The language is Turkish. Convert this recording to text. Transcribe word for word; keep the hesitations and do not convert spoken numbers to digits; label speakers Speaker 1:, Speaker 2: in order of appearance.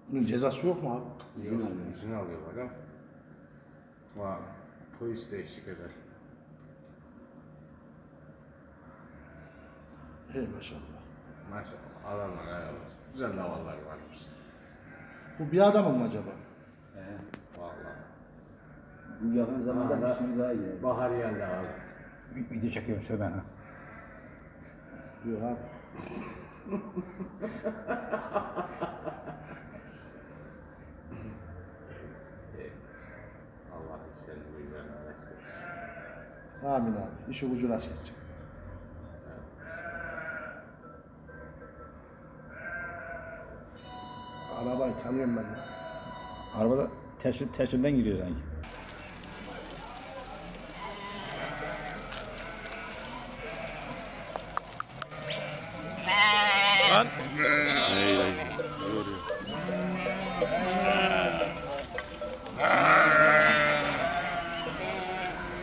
Speaker 1: Bunun cezası yok mu abi?
Speaker 2: İzin alıyor.
Speaker 3: İzin alıyor bak. Ama polis de eşlik eder.
Speaker 1: Hey maşallah.
Speaker 3: Maşallah adamlar helal olsun. Güzel davallar varmış.
Speaker 1: Bu bir adam mı acaba?
Speaker 2: He.
Speaker 3: Vallahi.
Speaker 2: Bu yakın zamanda
Speaker 3: Aha,
Speaker 2: bir sürü daha geldi.
Speaker 3: Bahar geldi abi.
Speaker 4: Bir video çekiyorum söyle ha.
Speaker 1: Yok abi.
Speaker 3: Allah işlerini güzel nasip etsin.
Speaker 1: Amin abi. İşi ucu rast gitsin. Arabayı tanıyorum ben ya.
Speaker 4: Arabada ters, ters yönden giriyor sanki. Lan!